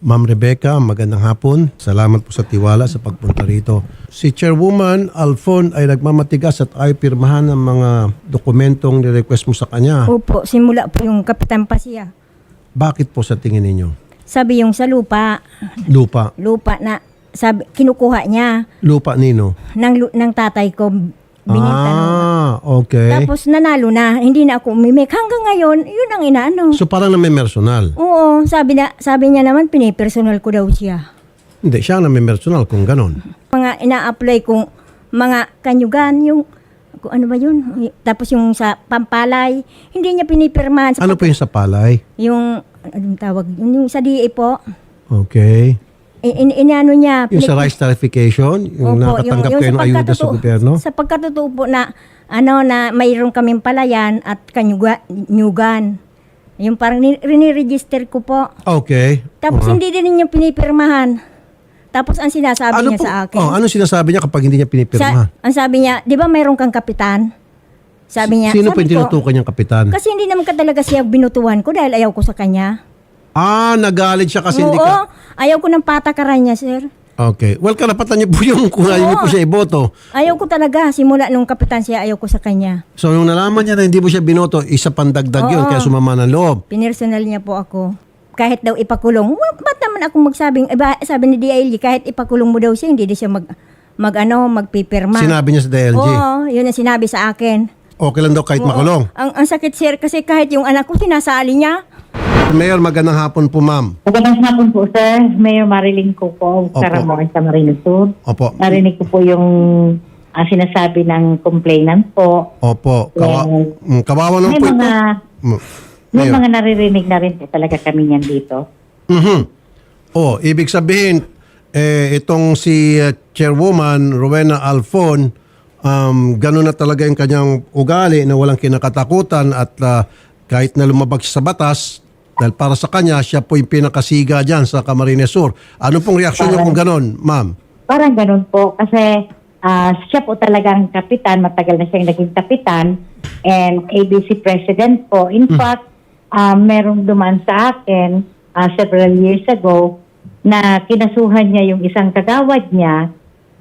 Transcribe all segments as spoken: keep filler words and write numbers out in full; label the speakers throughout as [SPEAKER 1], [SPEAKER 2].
[SPEAKER 1] Ma'am Rebecca, magandang hapon. Salamat po sa tiwala sa pagpunta rito. Si Chairwoman Alfon ay nagmamatigas at ay pirmahan ng mga dokumentong ni-request mo sa kanya.
[SPEAKER 2] Opo, simula po yung Kapitan Pasia.
[SPEAKER 1] Bakit po sa tingin ninyo?
[SPEAKER 2] Sabi yung sa lupa,
[SPEAKER 1] Lupa.
[SPEAKER 2] lupa na sabi kinukuha niya
[SPEAKER 1] Lupa nino?
[SPEAKER 2] ng lu- ng tatay ko bininta nung-
[SPEAKER 1] Ah, okay.
[SPEAKER 2] Tapos nanalo na, hindi na ako umimik. Hanggang ngayon, yun ang inaano.
[SPEAKER 1] So parang na may personal.
[SPEAKER 2] Oo, sabi na sabi niya naman pinipersonal ko daw siya.
[SPEAKER 1] Hindi, siya na may personal kung ganon.
[SPEAKER 2] Mga ina-apply kong mga kanyugan, yung kung ano ba yun? Tapos yung sa Pampalay, hindi niya pinipirmahan. Sa
[SPEAKER 1] Ano po yung sa palay?
[SPEAKER 2] Yung, anong tawag? Yung, yung sa D A po,
[SPEAKER 1] Okay.
[SPEAKER 2] in, in, inano niya.
[SPEAKER 1] Yung sa
[SPEAKER 2] pinik-
[SPEAKER 1] rice tarification, yung
[SPEAKER 2] Opo,
[SPEAKER 1] nakatanggap
[SPEAKER 2] yung
[SPEAKER 1] kayo ng
[SPEAKER 2] sa
[SPEAKER 1] ayuda sa
[SPEAKER 2] pagkatotoo-
[SPEAKER 1] gobyerno?
[SPEAKER 2] Sa pagkatotoo po na, ano, na mayroon kaming palayan at kanyuga, nyugan. Yung parang ni- rini-register ko po.
[SPEAKER 1] Okay.
[SPEAKER 2] Tapos
[SPEAKER 1] Uh-huh.
[SPEAKER 2] hindi din niya pinipirmahan. Tapos ang sinasabi
[SPEAKER 1] Ano
[SPEAKER 2] niya
[SPEAKER 1] po-
[SPEAKER 2] sa akin.
[SPEAKER 1] Oh, ano sinasabi niya kapag hindi niya pinipirma?
[SPEAKER 2] Sa, ang sabi niya, di ba mayroon kang kapitan? Sabi niya,
[SPEAKER 1] Sino po
[SPEAKER 2] sabi
[SPEAKER 1] yung tinutukan niyang kapitan?
[SPEAKER 2] Kasi hindi naman ka talaga siya binutuhan ko dahil ayaw ko sa kanya.
[SPEAKER 1] Ah, nagalit siya kasi
[SPEAKER 2] Oo,
[SPEAKER 1] hindi ka...
[SPEAKER 2] ayaw ko ng patakaran niya, sir.
[SPEAKER 1] Okay. Well, karapatan niyo po yung kung ayaw niyo po siya iboto.
[SPEAKER 2] Ayaw ko talaga. Simula nung kapitan siya, ayaw ko sa kanya.
[SPEAKER 1] So, nung nalaman niya na hindi mo siya binoto, isa pandagdag yun,
[SPEAKER 2] Oo.
[SPEAKER 1] kaya sumama ng loob.
[SPEAKER 2] Pinersonal niya po ako. Kahit daw ipakulong, wa- ba't naman ako magsabing, eh, ba- sabi ni D I L G, kahit ipakulong mo daw siya, hindi din siya mag, mag ano, magpipirma.
[SPEAKER 1] Sinabi niya sa D L G.
[SPEAKER 2] Oo, yun ang sinabi sa akin.
[SPEAKER 1] Okay lang daw kahit
[SPEAKER 2] Oo.
[SPEAKER 1] makulong.
[SPEAKER 2] Ang, ang sakit, sir, kasi kahit yung anak ko, sinasali niya.
[SPEAKER 1] Mayor, magandang hapon po, ma'am.
[SPEAKER 3] Magandang hapon po, sir. Mayor Marilyn ko po,
[SPEAKER 1] Opo.
[SPEAKER 3] Caramoan sa Marino Sur.
[SPEAKER 1] Opo.
[SPEAKER 3] Narinig ko po yung ah, sinasabi ng complainant po.
[SPEAKER 1] Opo. Kawa,
[SPEAKER 3] Yes.
[SPEAKER 1] mm, kawawa naman
[SPEAKER 3] May
[SPEAKER 1] po
[SPEAKER 3] mga,
[SPEAKER 1] ito. Mm,
[SPEAKER 3] may
[SPEAKER 1] Mayor.
[SPEAKER 3] mga naririnig na rin po talaga kami niyan dito.
[SPEAKER 1] Mhm. Oh, ibig sabihin, eh, itong si uh, Chairwoman Rowena Alfon, um, gano'n na talaga yung kanyang ugali na walang kinakatakutan at uh, kahit na lumabag siya sa batas, dahil para sa kanya, siya po yung pinakasiga dyan sa Camarines Sur. Ano pong reaksyon niyo kung gano'n, ma'am?
[SPEAKER 3] Parang ganun po kasi ah, siya po talagang kapitan, matagal na siyang naging kapitan and A B C president po. In fact, ah, merong duman sa akin ah, several years ago na kinasuhan niya yung isang kagawad niya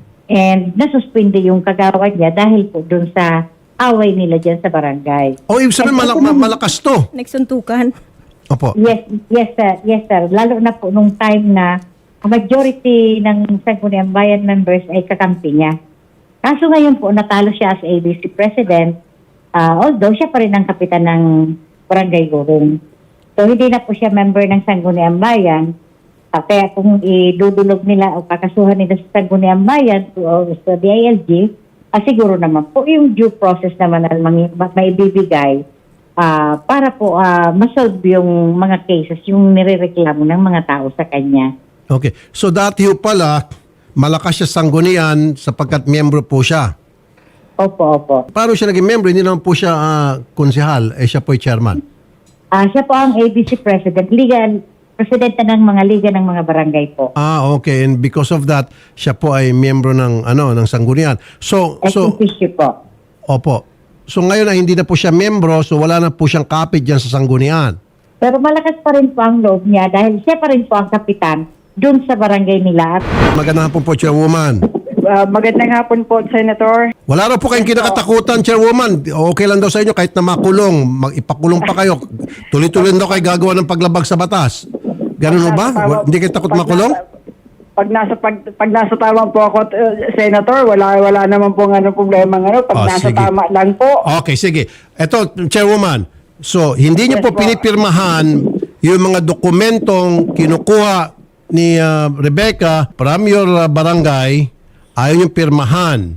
[SPEAKER 3] and nasuspinde yung kagawad niya dahil po dun sa away nila dyan sa barangay.
[SPEAKER 1] O, ibig sabihin, malak- ma- malakas to.
[SPEAKER 2] Nagsuntukan.
[SPEAKER 1] Opo.
[SPEAKER 3] Yes, yes sir, yes sir. Lalo na po nung time na ang majority ng Sangguniang Bayan members ay kakampi niya. Kaso ngayon po, natalo siya as A B C President, ah, although siya pa rin ang kapitan ng Barangay Gurong. So hindi na po siya member ng Sangguniang Bayan. Ah, kaya kung idudulog nila o kakasuhan nila sa Sangguniang Bayan o sa D I L G, ah, siguro naman po yung due process naman na mangi- ma- maibibigay Ah, para po ah, masolve yung mga cases, yung nirereklamo ng mga tao sa kanya.
[SPEAKER 1] Okay. So, dati ho pala, malakas siya sanggunian sapagkat miyembro po siya.
[SPEAKER 3] Opo, opo.
[SPEAKER 1] Paano siya naging member? Hindi naman po siya ah, konsehal. Eh, siya po ay chairman.
[SPEAKER 3] Ah, siya po ang A B C President, Liga, Presidente ng mga Liga ng mga Barangay po.
[SPEAKER 1] Ah, okay. And because of that, siya po ay miyembro ng ano ng sanggunian. So,
[SPEAKER 3] Ex
[SPEAKER 1] so
[SPEAKER 3] officio po.
[SPEAKER 1] opo. So ngayon ay hindi na po siya miyembro, so wala na po siyang kapit diyan sa sanggunian.
[SPEAKER 3] Pero malakas pa rin po ang loob niya dahil siya pa rin po ang kapitan dun sa barangay nila. At
[SPEAKER 1] Magandang hapon po, Chairwoman.
[SPEAKER 4] Uh, magandang hapon po, Senator.
[SPEAKER 1] Wala raw po kayong kinakatakutan, Chairwoman. Okay lang daw sa inyo kahit na makulong, mag-ipakulong pa kayo. Tuloy-tuloy daw kayo gagawa ng paglabag sa batas. Ganun ho ba? Wa- Hindi kayo takot
[SPEAKER 4] Pag
[SPEAKER 1] makulong?
[SPEAKER 4] nasa- Pag nasa pag, pag nasa tama po ako, uh, Senator, wala wala naman po ano problema ano
[SPEAKER 1] Oh,
[SPEAKER 4] pag nasa
[SPEAKER 1] sige.
[SPEAKER 4] tama lang po.
[SPEAKER 1] Okay, sige. Ito, Chairwoman. So, hindi niyo po
[SPEAKER 4] Yes, po.
[SPEAKER 1] pinipirmahan yung mga dokumentong kinukuha ni uh, Rebecca from your uh, barangay, ayaw yung pirmahan.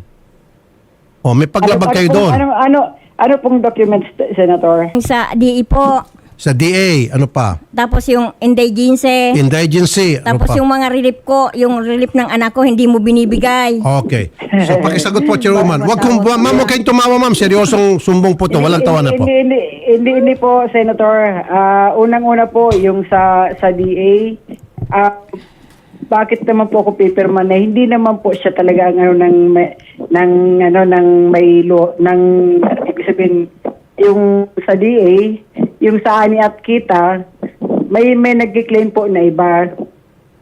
[SPEAKER 1] O, may paglabag
[SPEAKER 4] ano,
[SPEAKER 1] kayo
[SPEAKER 4] ano,
[SPEAKER 1] doon.
[SPEAKER 4] Ano ano ano pong documents, Senator?
[SPEAKER 2] Sa D E po,
[SPEAKER 1] Sa D A, ano pa?
[SPEAKER 2] tapos yung indigency,
[SPEAKER 1] Indigency, ano
[SPEAKER 2] tapos
[SPEAKER 1] pa?
[SPEAKER 2] yung mga relief ko, yung relief ng anak ko, hindi mo binibigay.
[SPEAKER 1] Okay. So, pakisagot po, Chairwoman. Wag kong, ma'am, huwag kayong tumawa, ma'am. Seryosong sumbong po to. Walang tawanan po.
[SPEAKER 4] Hindi, hindi, hindi, hindi po, Senator. Ah, unang-una po, yung sa sa D A, ah, bakit naman po ako pipirma na hindi naman po siya talaga ang ano ng may, ng ano ng may lo, ng ibig sabihin yung sa D A, yung sa ani at kita, may may nagki-claim po na iba.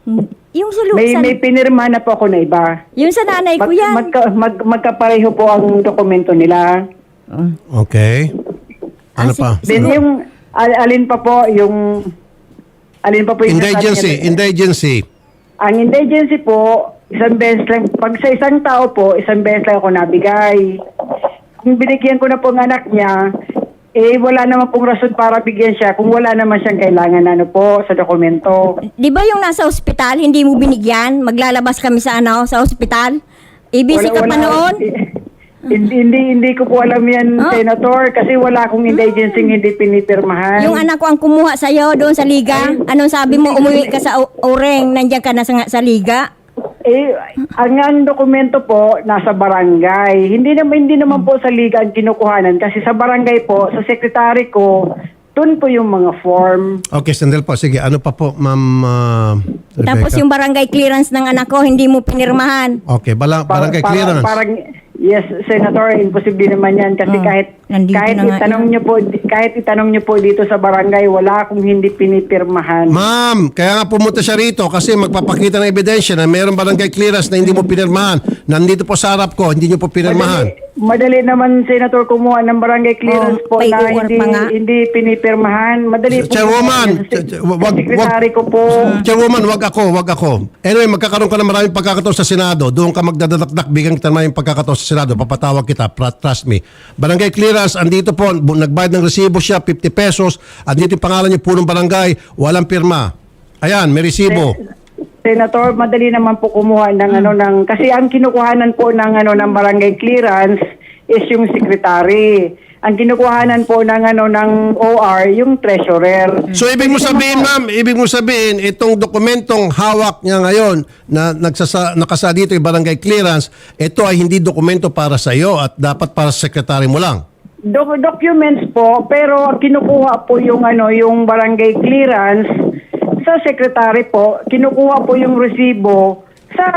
[SPEAKER 2] Yung sa, lu-
[SPEAKER 4] May,
[SPEAKER 2] sa
[SPEAKER 4] may pinirma na po ako na iba.
[SPEAKER 2] yung sa nanay ko
[SPEAKER 4] Mag,
[SPEAKER 2] yan.
[SPEAKER 4] magka, mag, magkapareho po ang dokumento nila.
[SPEAKER 2] Oh.
[SPEAKER 1] Okay. Ano
[SPEAKER 2] Ah,
[SPEAKER 1] pa?
[SPEAKER 2] si-
[SPEAKER 4] Then yung, al- alin pa po yung, alin pa po yung
[SPEAKER 1] Indigency.
[SPEAKER 4] nasabi niya-
[SPEAKER 1] Indigency.
[SPEAKER 4] Ang indigency po, isang beses lang, pag sa isang tao po, isang beses lang ako nabigay. Kung binigyan ko na po ang anak niya, eh wala naman pong rason para bigyan siya kung wala naman siyang kailangan na ano po sa dokumento.
[SPEAKER 2] Di ba yung nasa ospital, hindi mo binigyan? Maglalabas kami sa ano, sa ospital? A B C ka pa noon?
[SPEAKER 4] Hindi, hindi, hindi ko po alam yan,
[SPEAKER 2] Ah.
[SPEAKER 4] Senator, kasi wala akong indigency hindi pinipirmahan.
[SPEAKER 2] Yung anak ko ang kumuha sa'yo doon sa liga. Anong sabi mo, umuwi ka sa o- Oreng, nandiyan ka na sa, sa liga?
[SPEAKER 4] Eh, ang, ang dokumento po, nasa barangay. Hindi naman, hindi naman po sa liga ang kinukuhanan kasi sa barangay po, sa sekretary ko, doon po yung mga form.
[SPEAKER 1] Okay, sandal po. Sige, ano pa po, Ma'am uh, Rebecca?
[SPEAKER 2] Tapos yung barangay clearance ng anak ko, hindi mo pinirmahan.
[SPEAKER 1] Okay, bala,
[SPEAKER 4] Pa-
[SPEAKER 1] barangay
[SPEAKER 4] para-
[SPEAKER 1] clearance.
[SPEAKER 4] Parang, yes, Senator, imposible naman yan kasi
[SPEAKER 2] Oh,
[SPEAKER 4] kahit
[SPEAKER 2] nandito
[SPEAKER 4] kahit
[SPEAKER 2] na nga
[SPEAKER 4] itanong
[SPEAKER 2] yan.
[SPEAKER 4] niyo po kahit itanong niyo po dito sa barangay, wala akong hindi pinipirmahan.
[SPEAKER 1] Ma'am, kaya nga pumunta siya rito kasi magpapakita ng ebidensya na mayroong barangay clearance na hindi mo pinirmahan. Nandito po sa harap ko, hindi niyo po pinirmahan.
[SPEAKER 4] Madali, madali naman, Senator, kumuha ng barangay clearance
[SPEAKER 2] Oh,
[SPEAKER 4] po na
[SPEAKER 2] paperwork
[SPEAKER 4] hindi
[SPEAKER 2] pa nga.
[SPEAKER 4] hindi pinipirmahan. Madali po.
[SPEAKER 1] Chairwoman,
[SPEAKER 4] kumuha yan.
[SPEAKER 1] ch- ch- wag- wag-
[SPEAKER 4] Sekretary ko po.
[SPEAKER 1] Chairwoman, wag ako, wag ako. Anyway, magkakaroon ka ng maraming pagkakataon sa Senado. Doon ka magdadakdak, bigyan kita ng maraming pagkakataon sa Senado. Papatawag kita, pra- trust me. Barangay clearance, andito po, bu- nagbayad ng resibo siya, fifty pesos. Andito yung pangalan niyo, punong barangay, walang pirma. Ayan, may resibo.
[SPEAKER 4] Senator, madali naman po kumuha ng ano ng kasi ang kinukuhanan po ng ano ng barangay clearance is yung secretary. Ang kinukuhanan po ng ano ng O R yung treasurer.
[SPEAKER 1] So ibig mo sabihin, ma'am, ibig mo sabihin, itong dokumentong hawak niya ngayon na nagsasa, nakasa dito yung barangay clearance, ito ay hindi dokumento para sa iyo at dapat para sa sekretary mo lang.
[SPEAKER 4] Doc- documents po, pero ang kinukuha po yung ano yung barangay clearance sa secretary po, kinukuha po yung resibo sa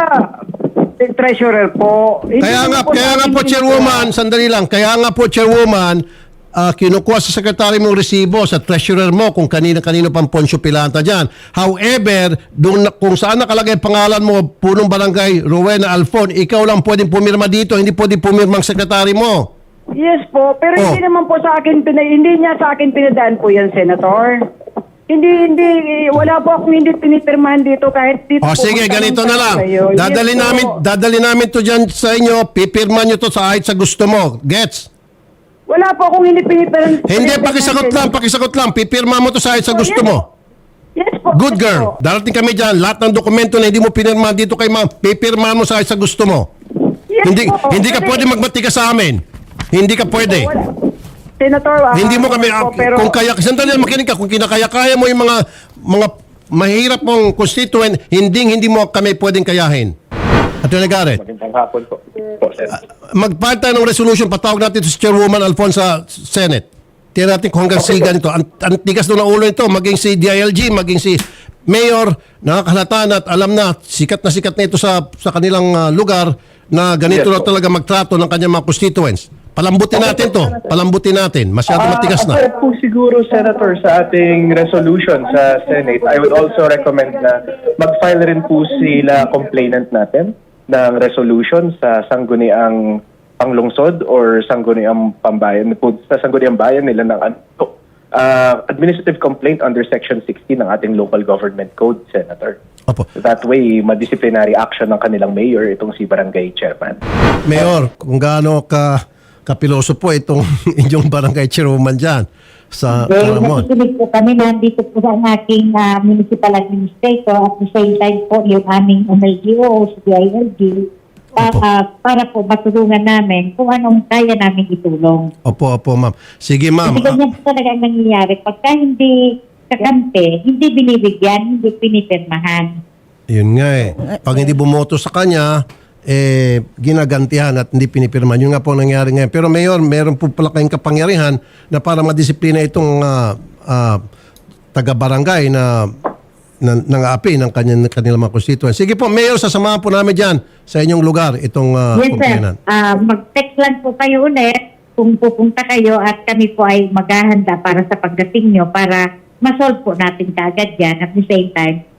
[SPEAKER 4] treasurer po. Hindi
[SPEAKER 1] Kaya
[SPEAKER 4] naman
[SPEAKER 1] nga,
[SPEAKER 4] po
[SPEAKER 1] kaya
[SPEAKER 4] sa
[SPEAKER 1] nga
[SPEAKER 4] akin
[SPEAKER 1] po,
[SPEAKER 4] kinukuha.
[SPEAKER 1] Chairwoman, sandali lang, kaya nga po, Chairwoman, ah, kinukuha sa sekretary mong resibo, sa treasurer mo, kung kanina-kanino pang Poncio Pilanta dyan. However, dun, na- kung saan nakalagay pangalan mo, punong barangay, Rowena Alfon, ikaw lang pwedeng pumirma dito, hindi pwedeng pumirma ang sekretary mo.
[SPEAKER 4] Yes po, pero
[SPEAKER 1] Oh.
[SPEAKER 4] hindi naman po sa akin, pina, hindi niya sa akin pinadaan po yan, Senator. Hindi, hindi, wala po akong hindi pinipirmahan dito kahit dito
[SPEAKER 1] O
[SPEAKER 4] po.
[SPEAKER 1] sige,
[SPEAKER 4] magtanong
[SPEAKER 1] ganito na
[SPEAKER 4] tayo
[SPEAKER 1] lang.
[SPEAKER 4] sa'yo.
[SPEAKER 1] Dadali
[SPEAKER 4] Yes po.
[SPEAKER 1] namin, dadali namin to dyan sa inyo, pipirma nyo to sa kahit sa gusto mo. Gets?
[SPEAKER 4] Wala po akong hindi pinipirmahan.
[SPEAKER 1] Hindi, pakisagot lang, pakisagot lang. Pipirma mo to sa kahit sa gusto mo.
[SPEAKER 4] Yes po.
[SPEAKER 1] Good
[SPEAKER 4] yes
[SPEAKER 1] girl.
[SPEAKER 4] po.
[SPEAKER 1] Darating kami dyan. Lahat ng dokumento na hindi mo pinirma dito kay ma'am, pipirma mo sa kahit sa gusto mo.
[SPEAKER 4] Yes
[SPEAKER 1] Hindi
[SPEAKER 4] po.
[SPEAKER 1] hindi ka
[SPEAKER 4] Kasi-
[SPEAKER 1] pwede magmatika sa amin. Hindi ka pwede.
[SPEAKER 4] Wala. Senator, ah,
[SPEAKER 1] Hindi mo kami
[SPEAKER 4] po, pero,
[SPEAKER 1] kung kaya sandali lang, makinig ka, kung kinakaya-kaya mo yung mga mga mahirap mong constituent, hindi hindi mo kami pwedeng kayahin. Attorney Garrett,
[SPEAKER 5] Magandang hapon po. Po, sir.
[SPEAKER 1] mag-file tayo ng resolution, patawag natin ito si Chairwoman Alfonso sa Senate. Tingnan natin kung hanggang siga nito. Ang, ang tigas doon ng ulo nito, maging si D I L G, maging si Mayor, nakakahalata na at alam na, sikat na sikat na ito sa, sa kanilang ah, lugar na ganito
[SPEAKER 5] Yes,
[SPEAKER 1] na
[SPEAKER 5] po.
[SPEAKER 1] talaga magtrato ng kanyang mga constituents. Palambutin natin to. Palambutin natin. Masyado matigas na.
[SPEAKER 5] Aside po siguro, Senator, sa ating resolution sa Senate, I would also recommend na mag-file rin po sila complainant natin ng resolution sa sangguniang panglungsod or sangguniang pambayan, po, sa sangguniang bayan nila ng ano, uh, administrative complaint under Section sixteen ng ating local government code, Senator.
[SPEAKER 1] Opo.
[SPEAKER 5] That way, ma-disciplinary action ng kanilang mayor, itong si barangay chairman.
[SPEAKER 1] Mayor, kung gaano ka kapiloso po itong inyong barangay chairwoman dyan sa
[SPEAKER 3] Well,
[SPEAKER 1] Paramount.
[SPEAKER 3] nakikinig po kami, nandito po ang aking ah, municipal administrator at the same time po yung aming M L G O, si D I L G, pa-
[SPEAKER 1] Opo.
[SPEAKER 3] ah, para po matulungan namin kung anong kaya namin itulong.
[SPEAKER 1] Opo, opo, ma'am. Sige, ma'am.
[SPEAKER 3] Kasi ganyan po talaga ang nangyayari. Pagka hindi kakampi, hindi binibigyan, hindi pinipirmahan.
[SPEAKER 1] Yun nga eh. Pag hindi bumoto sa kanya, eh, ginagantihan at hindi pinipirman. Yun nga po ang nangyari ngayon. Pero Mayor, meron po pala kayong kapangyarihan na para madisiplina itong ah, ah, taga-barangay na na nang-aapi ng kanyang, kanilang mga constituents. Sige po, Mayor, sasamahan po namin dyan sa inyong lugar itong uh,
[SPEAKER 3] Yes, sir. Ah, mag-text lang po kayo ulit kung pupunta kayo at kami po ay maghahanda para sa pagdating nyo para masolve po natin kaagad yan. At the same time,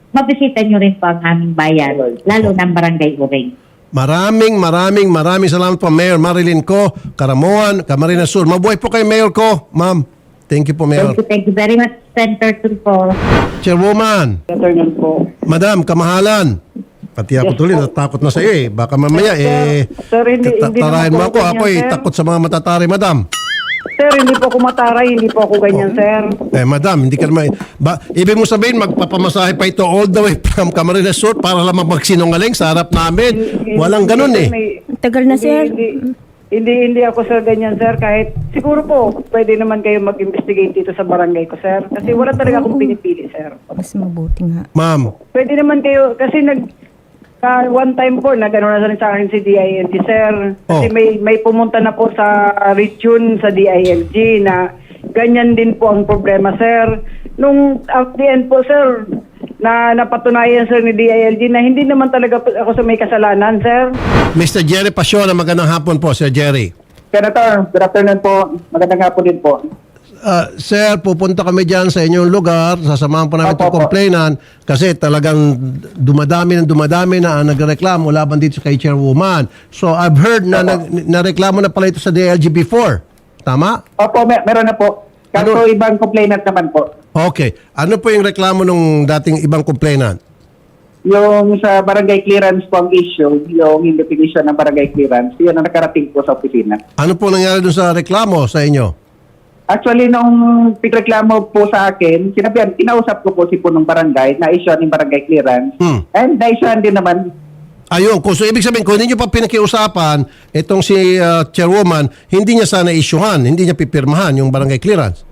[SPEAKER 3] mabisita nyo rin po ang aming bayan, lalo ng Barangay Uring.
[SPEAKER 1] Maraming, maraming, maraming salamat po, Mayor Marilyn Co, Karamuan, Camarines Sur. Mabuhay po kay Mayor Co, ma'am. Thank you po, Mayor.
[SPEAKER 3] Thank you, thank you very much, Senator Tulfo.
[SPEAKER 1] Chairwoman,
[SPEAKER 4] Senator Nel po.
[SPEAKER 1] Madam, kamahalan. Pati ako tuloy, natakot na sa iyo eh. Baka mamaya eh,
[SPEAKER 4] Sir, hindi-
[SPEAKER 1] tata-
[SPEAKER 4] hindi
[SPEAKER 1] tarahin mo
[SPEAKER 4] naman po
[SPEAKER 1] ako.
[SPEAKER 4] ganyan,
[SPEAKER 1] Ako eh,
[SPEAKER 4] sir.
[SPEAKER 1] takot sa mga matatari, Madam.
[SPEAKER 4] Sir, hindi po ako mataray, hindi po ako ganyan, sir.
[SPEAKER 1] Eh, Madam, hindi ka naman, ba, ibig mo sabihin, magpapamasahe pa ito all the way from Camarines Sur para lang magsinungaling sa harap namin. Walang ganun eh.
[SPEAKER 4] May-
[SPEAKER 2] Tagal na,
[SPEAKER 4] hindi-
[SPEAKER 2] sir.
[SPEAKER 4] Hindi, hindi, hindi ako sir ganyan, sir. Kahit siguro po, pwede naman kayo mag-investigate dito sa barangay ko, sir. Kasi wala talaga akong pinipili, sir.
[SPEAKER 2] Mas mabuti nga.
[SPEAKER 1] Ma'am,
[SPEAKER 4] Pwede naman kayo, kasi nag, ah, one time po, nag-ano na rin sa akin si D I L G, sir. Kasi
[SPEAKER 1] Oh.
[SPEAKER 4] may, may pumunta na po sa region sa D I L G na ganyan din po ang problema, sir. Nung at the end po, sir, na napatunayan, sir, ni D I L G na hindi naman talaga po ako sa may kasalanan, sir.
[SPEAKER 1] Mister Jerry Pasiola, magandang hapon po, Sir Jerry.
[SPEAKER 6] Senator, good afternoon po. Magandang hapon din po.
[SPEAKER 1] Ah, sir, pupunta kami dyan sa inyong lugar, sasamahan po namin
[SPEAKER 6] Opo,
[SPEAKER 1] itong
[SPEAKER 6] opo.
[SPEAKER 1] complainant kasi talagang dumadami ng dumadami na ang nagreklamo laban dito kay Chairwoman. So I've heard na nag, nareklamo na pala ito sa D L G before. Tama?
[SPEAKER 6] Opo, mer- meron na po. Kaso
[SPEAKER 1] Ano?
[SPEAKER 6] ibang complainant naman po.
[SPEAKER 1] Okay. Ano po yung reklamo ng dating ibang complainant?
[SPEAKER 6] Yung sa barangay clearance po ang issue, yung definition ng barangay clearance, yun ang nakarating po sa opisina.
[SPEAKER 1] Ano po nangyari dun sa reklamo sa inyo?
[SPEAKER 6] Actually, nung pigreklamo po sa akin, sinabihan, kinausap ko po si punong barangay, na-issue ng barangay clearance,
[SPEAKER 1] Hmm.
[SPEAKER 6] and na-issue din naman.
[SPEAKER 1] Ayun, kung so ibig sabihin, kung hindi nyo pa pinakiusapan, itong si uh, Chairwoman, hindi niya sana isyuhan, hindi niya pipirmahan yung barangay clearance.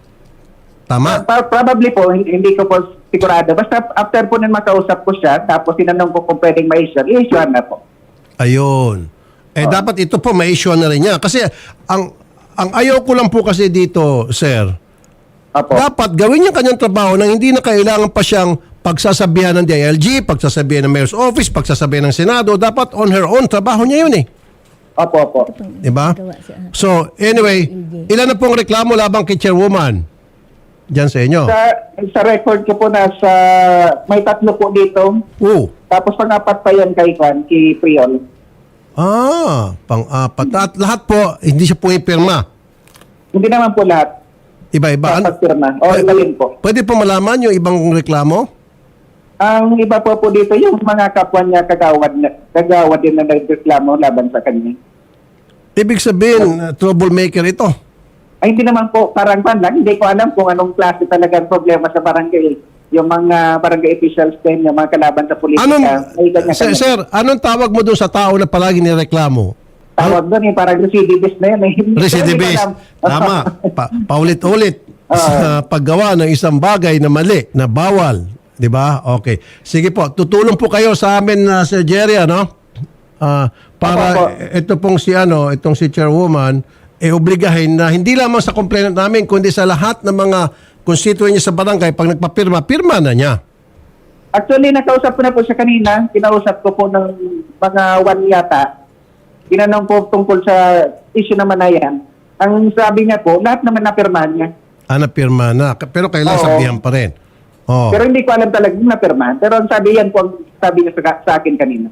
[SPEAKER 1] Tama?
[SPEAKER 6] Pa- probably po, hindi, hindi ko po sigurado. Basta after po nang makausap ko siya, tapos tinanong ko kung pwedeng ma-issue, i-issue na po.
[SPEAKER 1] Ayun. Eh dapat ito po ma-issue na rin niya. Kasi ang ang ayaw ko lang po kasi dito, sir,
[SPEAKER 6] Opo.
[SPEAKER 1] dapat gawin niya kanyang trabaho nang hindi na kailangan pa siyang pagsasabihan ng D I L G, pagsasabihan ng Mayor's Office, pagsasabihan ng Senado. Dapat on her own, trabaho niya yun eh.
[SPEAKER 6] Opo, opo.
[SPEAKER 1] Diba? So, anyway, ilan na pong reklamo labang kay Chairwoman? Diyan sa inyo.
[SPEAKER 6] Sa, sa record ko po nasa, may tatlo po dito.
[SPEAKER 1] Oo.
[SPEAKER 6] Tapos pang-apat pa yan kay Juan, kay Priol.
[SPEAKER 1] Ah, pang-apat. At lahat po, hindi siya pumipirma.
[SPEAKER 6] Hindi naman po lahat.
[SPEAKER 1] Iba-iba. Ano-
[SPEAKER 6] Dapat pirma. O, iba din po.
[SPEAKER 1] Pwede po malaman yung ibang reklamo?
[SPEAKER 6] Ang iba po po dito, yung mga kapwa niya kagawad, na, kagawad din na nagreklamo laban sa kanya.
[SPEAKER 1] Ibig sabihin, uh, troublemaker ito.
[SPEAKER 6] Ay, hindi naman po, parang pan lang. Hindi ko alam kung anong klase talagang problema sa barangay. Yung mga barangay officials din, yung mga kalaban sa politika.
[SPEAKER 1] Anong,
[SPEAKER 6] ay kanya-kanya.
[SPEAKER 1] sir, sir, anong tawag mo doon sa tao na palagi nireklamo?
[SPEAKER 6] Tawag doon eh, parang recidivist na yan eh. Hindi ko
[SPEAKER 1] Recidivist.
[SPEAKER 6] alam.
[SPEAKER 1] Tama. Pa, paulit-ulit sa paggawa ng isang bagay na mali, na bawal. Di ba? Okay. Sige po, tutulong po kayo sa amin, na Sir Jerry, ano? Ah, para
[SPEAKER 6] Opo.
[SPEAKER 1] ito pong si ano, itong si Chairwoman, eh obligahin na hindi lamang sa complainant namin, kundi sa lahat ng mga constituent niya sa barangay, pag nagpapirma, pirma na niya.
[SPEAKER 6] Actually, nakausap ko na po siya kanina. Kinausap ko po ng mga one yata. Tinanong po tungkol sa issue naman na yan. Ang sabi niya po, lahat naman napirmahan niya.
[SPEAKER 1] Ah, napirma na. Pero kailangan
[SPEAKER 6] Oo.
[SPEAKER 1] sabihan pa rin. Oh.
[SPEAKER 6] Pero hindi ko alam talaga kung napirmahan. Pero ang sabi yan po, ang sabi niya sa, sa akin kanina.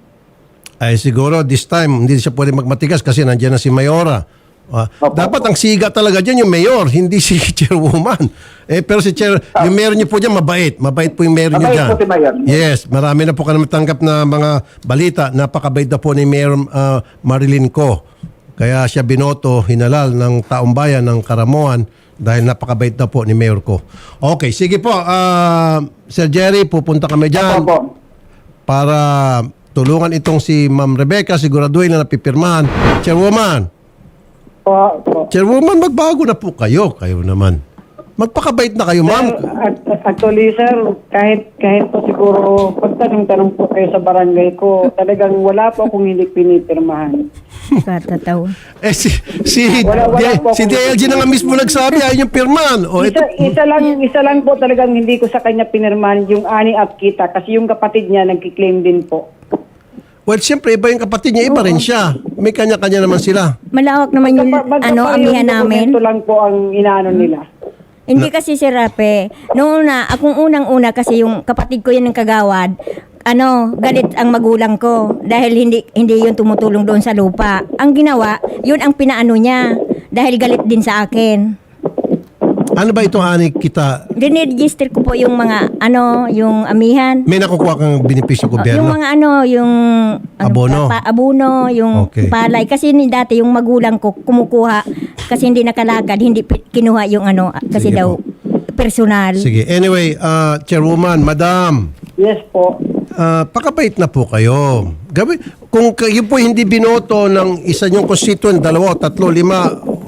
[SPEAKER 1] Ay siguro this time hindi siya pwede magmatigas kasi nandiyan na si Mayora. Ah,
[SPEAKER 6] Opo,
[SPEAKER 1] dapat
[SPEAKER 6] opo.
[SPEAKER 1] ang siga talaga dyan yung mayor, hindi si Chairwoman. Eh, pero si Chair, yung mayor niyo po dyan mabait. Mabait po yung mayor niyo
[SPEAKER 6] Mabait
[SPEAKER 1] dyan.
[SPEAKER 6] po si Mayor.
[SPEAKER 1] Yes, marami na po kami natanggap na mga balita. Napakabait na po ni Mayor ah, Marilyn Co. Kaya siya binoto, hinalal ng taong bayan ng Karamuan dahil napakabait na po ni Mayor Co. Okay, sige po. ah, Sir Jerry, pupunta kami dyan
[SPEAKER 6] Opo.
[SPEAKER 1] para tulungan itong si Ma'am Rebecca, siguraduhin na napipirmahan. Chairwoman,
[SPEAKER 4] Po, po.
[SPEAKER 1] Chairwoman, magbago na po kayo. Kayo naman. Magpakabait na kayo, ma'am.
[SPEAKER 4] At- Actually, sir, kahit kahit po siguro pagtanong-tanong po kayo sa barangay ko, talagang wala po akong hindi pinipirmahan.
[SPEAKER 2] Katataw.
[SPEAKER 1] Eh, si, si,
[SPEAKER 6] Wala- wala
[SPEAKER 1] di-
[SPEAKER 6] po
[SPEAKER 1] si
[SPEAKER 6] akong-
[SPEAKER 1] D L G na nga mismo nagsabi, ayun yung pirman. O, ito,
[SPEAKER 4] Isa, isa lang isa lang po talagang hindi ko sa kanya pinirmahan yung ani at kita kasi yung kapatid niya nagki-claim din po.
[SPEAKER 1] well, siyempre, iba yung kapatid niya, iba rin siya. May kanya-kanya naman sila.
[SPEAKER 2] Malawak naman yung
[SPEAKER 4] Magkapa-
[SPEAKER 2] ano,
[SPEAKER 4] magkapa-
[SPEAKER 2] amihan
[SPEAKER 4] yung
[SPEAKER 2] namin.
[SPEAKER 4] dokumento lang po ang inaano nila.
[SPEAKER 2] Hindi kasi si Rape. Noong una, akong unang-una kasi yung kapatid ko yun ng kagawad, ano, galit ang magulang ko dahil hindi hindi yun tumutulong doon sa lupa. Ang ginawa, yun ang pinaano niya dahil galit din sa akin.
[SPEAKER 1] Ano ba itong ani kita?
[SPEAKER 2] Dineregister ko po yung mga ano, yung amihan.
[SPEAKER 1] May nakukuha kang benepisyo
[SPEAKER 2] Yung
[SPEAKER 1] gobyerno?
[SPEAKER 2] mga ano, yung ano,
[SPEAKER 1] Abono.
[SPEAKER 2] pa- abono, yung
[SPEAKER 1] Okay.
[SPEAKER 2] palay. Kasi ni dati yung magulang ko kumukuha kasi hindi nakalagad, hindi pi- kinuha yung ano, kasi
[SPEAKER 1] Sige
[SPEAKER 2] daw personal.
[SPEAKER 1] Sige. Anyway, uh, Chairwoman, Madam,
[SPEAKER 4] Yes po.
[SPEAKER 1] uh, pakabait na po kayo. Gabi, kung kayo po hindi binoto ng isa niyong constituent, dalawa, tatlo, lima,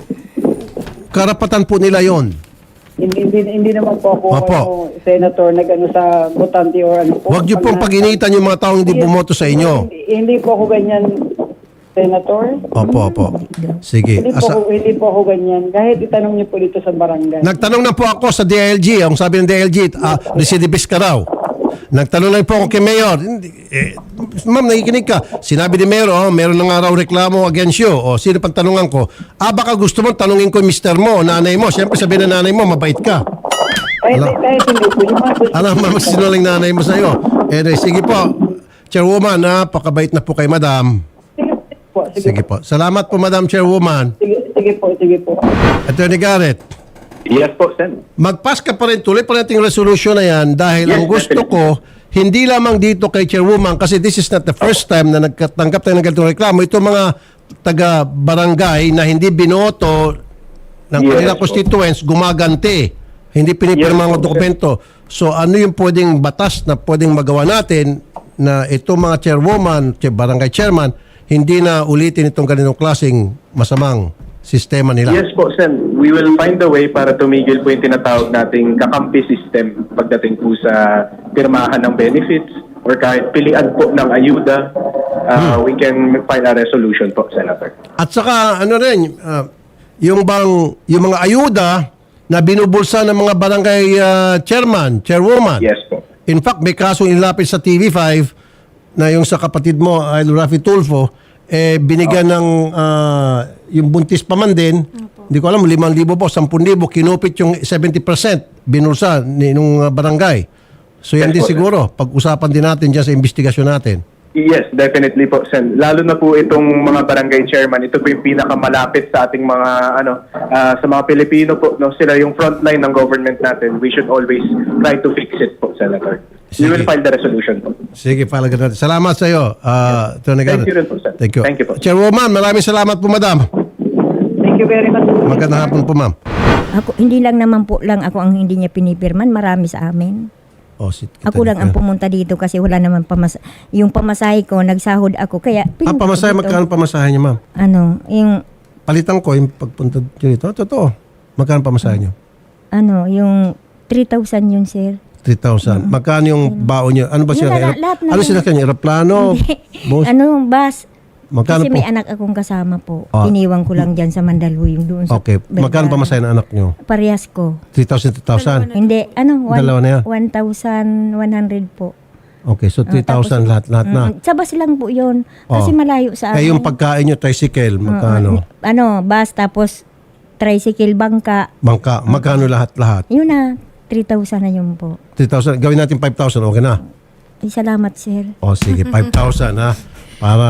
[SPEAKER 1] karapatan po nila yon.
[SPEAKER 4] Hindi, hindi, hindi naman po ako
[SPEAKER 1] Opo.
[SPEAKER 4] ano, senator nag-ano sa botante or ano po.
[SPEAKER 1] Huwag niyo pong
[SPEAKER 4] Pag-
[SPEAKER 1] pag-initan yung mga taong hindi
[SPEAKER 4] Yes.
[SPEAKER 1] bumoto sa inyo.
[SPEAKER 4] Hindi, hindi po ako ganyan, senator.
[SPEAKER 1] Opo, opo. Sige.
[SPEAKER 4] Hindi po,
[SPEAKER 1] Asa-
[SPEAKER 4] ako, hindi po ako ganyan. Kahit itanong niyo po dito sa barangay.
[SPEAKER 1] Nagtanong na po ako sa D I L G. Ang sabi ng D I L G, ah, recidivist ka raw. Nagtanong lang po ako kay Mayor. Hindi, eh, ma'am, nakikinig ka. Sinabi ni Mayor, oh, meron na nga raw reklamo against you. O, sino pang tanungan ko? Ah, baka gusto mo tanungin ko yung mister mo, nanay mo. Siyempre, sabi na nanay mo, mabait ka.
[SPEAKER 4] Ay, hindi, kahit hindi po. Yung mga gusto-
[SPEAKER 1] Alam mo, sinungaling nanay mo sa'yo. Eh, sige po. Chairwoman, ha, pakabait na po kay Madam.
[SPEAKER 4] Sige po, sige,
[SPEAKER 1] Sige po. Salamat po, Madam Chairwoman.
[SPEAKER 4] sige, sige po, sige po.
[SPEAKER 1] Attorney Garrett.
[SPEAKER 5] Yes po, Sen.
[SPEAKER 1] Mag-pass ka pa rin, tuloy pa natin yung resolution na yan dahil
[SPEAKER 5] Yes,
[SPEAKER 1] ang gusto ko, hindi lamang dito kay Chairwoman kasi this is not the first time na nagkatanggap tayo ng ganitong reklamo. Ito mga taga-barangay na hindi binoto ng
[SPEAKER 5] Yes,
[SPEAKER 1] kanilang
[SPEAKER 5] po.
[SPEAKER 1] constituents, gumaganti. Hindi pinipirma
[SPEAKER 5] Yes,
[SPEAKER 1] ang
[SPEAKER 5] po,
[SPEAKER 1] dokumento. So ano yung pwedeng batas na pwedeng magawa natin na ito mga chairwoman, chair- barangay chairman, hindi na ulitin itong ganitong klaseng masamang sistema nila.
[SPEAKER 5] Yes po, Sen. We will find a way para tumigil po yung tinatawag nating kakampi system pagdating po sa pirmahan ng benefits or kahit pilian po ng ayuda. Uh, We can find a resolution po, Senator.
[SPEAKER 1] At saka ano rin, ah, yung bang yung mga ayuda na binubulsa ng mga barangay ah, chairman, chairwoman.
[SPEAKER 5] Yes po.
[SPEAKER 1] In fact, may kasong inilapit sa T V five na yung sa kapatid mo, Idol Rafi Tulfo, eh binigyan ng ah, yung buntis pa man din. Hindi ko alam, limang libo po, sampung libo, kinupit yung seventy percent binulsa ni nung ah, barangay. So yan
[SPEAKER 5] Yes
[SPEAKER 1] din
[SPEAKER 5] po, sir.
[SPEAKER 1] siguro, pag-usapan din natin dyan sa investigasyon natin.
[SPEAKER 5] Yes, definitely po, Sen. Lalo na po itong mga barangay chairman, ito po yung pinakamalapit sa ating mga ano ah, sa mga Pilipino po, no, sila yung frontline ng government natin. We should always try to fix it po, Senator. We will
[SPEAKER 1] Sige.
[SPEAKER 5] file the resolution po.
[SPEAKER 1] Sige, palagan natin. Salamat sa iyo, uh, Attorney
[SPEAKER 5] Thank
[SPEAKER 1] Garrett.
[SPEAKER 5] you rin po, sir.
[SPEAKER 1] Thank you.
[SPEAKER 5] Thank you po.
[SPEAKER 1] Chairwoman, maraming salamat po, madam.
[SPEAKER 4] Thank you very much.
[SPEAKER 1] Magandang hapon po, ma'am.
[SPEAKER 2] Ako, hindi lang naman po lang ako ang hindi niya pinipirman, marami sa amin.
[SPEAKER 1] Oh, si,
[SPEAKER 2] Ako lang ang pumunta dito kasi wala naman pamas yung pamasahe ko, nagsahod ako. Kaya
[SPEAKER 1] Ah,
[SPEAKER 2] pinunta ko
[SPEAKER 1] pamasahe,
[SPEAKER 2] dito.
[SPEAKER 1] magkano pamasahe niyo, ma'am?
[SPEAKER 2] Ano, yung,
[SPEAKER 1] Palitan ko yung pagpunta niyo dito. Totoo. Magkano pamasahe niyo?
[SPEAKER 2] ano, yung three thousand yun, sir.
[SPEAKER 1] three thousand. Magkano yung baon niyo? Ano ba
[SPEAKER 2] Yun
[SPEAKER 1] siya?
[SPEAKER 2] na, la- lahat na
[SPEAKER 1] ano
[SPEAKER 2] yun.
[SPEAKER 1] sila kanya? Aeroplano? Bus?
[SPEAKER 2] Ano, bus.
[SPEAKER 1] Magkano
[SPEAKER 2] Kasi
[SPEAKER 1] po?
[SPEAKER 2] may anak akong kasama po.
[SPEAKER 1] Ah.
[SPEAKER 2] Iniwan ko lang dyan sa Mandaluyong doon sa
[SPEAKER 1] Okay. Magkano
[SPEAKER 2] Vergara.
[SPEAKER 1] pamasahe ng anak niyo?
[SPEAKER 2] Parehas ko.
[SPEAKER 1] three thousand, three thousand?
[SPEAKER 2] Hindi, ano, one-
[SPEAKER 1] Dalawa na yan?
[SPEAKER 2] one thousand one hundred po.
[SPEAKER 1] Okay, so three thousand lahat-lahat na.
[SPEAKER 2] Mm, sa bus lang po yun. Kasi
[SPEAKER 1] Oh.
[SPEAKER 2] malayo sa
[SPEAKER 1] Eh,
[SPEAKER 2] akin.
[SPEAKER 1] yung pagkain niyo, tricycle, magkano?
[SPEAKER 2] Ano, bus tapos tricycle bangka.
[SPEAKER 1] Bangka, magkano lahat-lahat?
[SPEAKER 2] Yun na, three thousand na yun po.
[SPEAKER 1] three thousand. Gawin natin five thousand, okay na?
[SPEAKER 2] Ay, salamat, sir.
[SPEAKER 1] O, sige, five thousand ha. Para...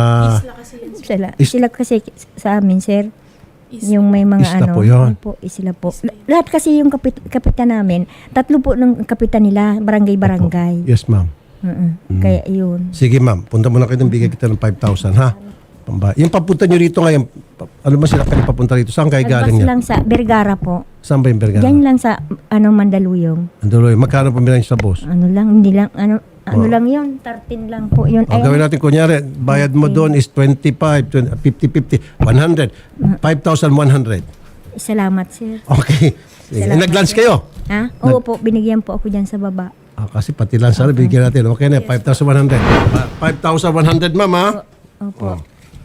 [SPEAKER 2] Sila,
[SPEAKER 1] Is-
[SPEAKER 2] sila kasi sa amin, sir. Yung may mga
[SPEAKER 1] Isla
[SPEAKER 2] ano.
[SPEAKER 1] po yun.
[SPEAKER 2] Opo, isla po. L- Lahat kasi yung kapit, kapitan namin, tatlo po ng kapitan nila, barangay-barangay.
[SPEAKER 1] Yes, ma'am.
[SPEAKER 2] Mm-mm. Kaya yun.
[SPEAKER 1] Sige, ma'am. Punta muna kayo ng bigay kita ng five thousand, ha? Pamba. Yung papunta nyo rito ngayon, pa- ano ba sila kayo papunta rito? Saan kayo galing
[SPEAKER 2] Advance
[SPEAKER 1] yan?
[SPEAKER 2] lang sa Vergara po.
[SPEAKER 1] Saan ba yung Vergara?
[SPEAKER 2] Diyan lang sa ano Mandaluyong.
[SPEAKER 1] Anduloy. Magkano pamilya niyo sa boss?
[SPEAKER 2] Ano lang, hindi lang, ano, ano
[SPEAKER 1] Oh.
[SPEAKER 2] lang yun, thirteen lang po yun.
[SPEAKER 1] O, gawin natin, kunyari, bayad mo doon is twenty-five, twenty, fifty, fifty, one hundred. five thousand one hundred.
[SPEAKER 2] Salamat, sir.
[SPEAKER 1] Okay. Sige.
[SPEAKER 2] Salamat,
[SPEAKER 1] Nag-lunch
[SPEAKER 2] sir.
[SPEAKER 1] kayo?
[SPEAKER 2] Ha? Oo po, binigyan po ako dyan sa baba.
[SPEAKER 1] Ah, kasi pati lang sana bigyan natin. Okay na, five thousand one hundred. five thousand one hundred, ma'am, ha?
[SPEAKER 2] Opo.
[SPEAKER 1] Oh.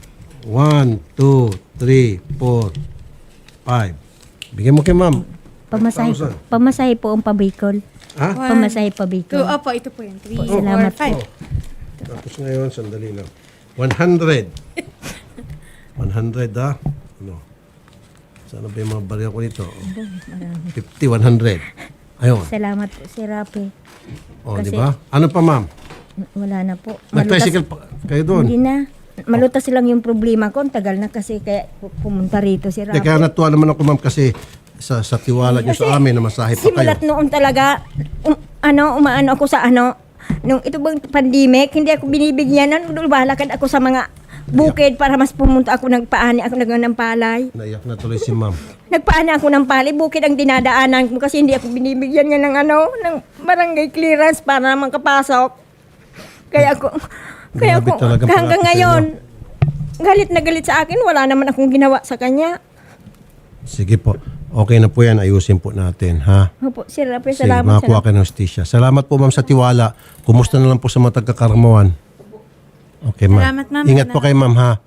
[SPEAKER 1] one, two, three, four, five. Bigyan mo kay ma'am.
[SPEAKER 2] Pamasahe,
[SPEAKER 1] five thousand.
[SPEAKER 2] pamasahe po ang pabikol.
[SPEAKER 1] Ha?
[SPEAKER 2] Pamasahe
[SPEAKER 7] Two,
[SPEAKER 2] pabikol.
[SPEAKER 7] opo, ito po yun. Three,
[SPEAKER 2] Po,
[SPEAKER 7] four,
[SPEAKER 2] salamat
[SPEAKER 7] five.
[SPEAKER 2] po.
[SPEAKER 1] Tapos ngayon, sandali lang. one hundred. one hundred, ha? Ano? Sana ba yung mga barya ko dito? fifty, one hundred. Ayun.
[SPEAKER 2] Salamat po, Sir Rafi.
[SPEAKER 1] O,
[SPEAKER 2] Kasi-
[SPEAKER 1] di ba? Ano pa, ma'am?
[SPEAKER 2] Wala na po.
[SPEAKER 1] Nag-tricycle pa kayo doon?
[SPEAKER 2] Hindi na. Malutas lang yung problema ko. Ang tagal na kasi kaya pu- pumunta rito si
[SPEAKER 1] Hindi,
[SPEAKER 2] Rafi.
[SPEAKER 1] kaya natuwa naman ako, ma'am, kasi sa, sa tiwala niyo sa amin na masahe pa kayo.
[SPEAKER 2] Simulat noon talaga, um, ano, umaano ako sa ano, nung ito bang pandemic, hindi ako binibigyan ng lubalakad ako sa mga bukid para mas pumunta ako, nagpaani ako ng ng palay.
[SPEAKER 1] Naiyak na tuloy si ma'am.
[SPEAKER 2] Nagpaani ako ng palay, bukid ang dinadaanan ko kasi hindi ako binibigyan niya ng ano, ng barangay clearance para makapasok. Kaya ako, kaya
[SPEAKER 1] Grabe
[SPEAKER 2] ako,
[SPEAKER 1] talagang
[SPEAKER 2] hanggang
[SPEAKER 1] pangako sa
[SPEAKER 2] ngayon, galit na galit sa akin, wala naman akong ginawa sa kanya.
[SPEAKER 1] Sige po. Okay na po yan. Ayusin po natin, ha?
[SPEAKER 2] Opo, Sir Rafi,
[SPEAKER 1] Sige,
[SPEAKER 2] salamat.
[SPEAKER 1] makakuha
[SPEAKER 2] salamat.
[SPEAKER 1] kayo ng hostisya. Salamat po, ma'am, sa tiwala. Kumusta na lang po sa mga taga-Karamawan? Okay, ma'am.
[SPEAKER 7] Salamat, ma'am.
[SPEAKER 1] Ingat po kayo, ma'am, ha?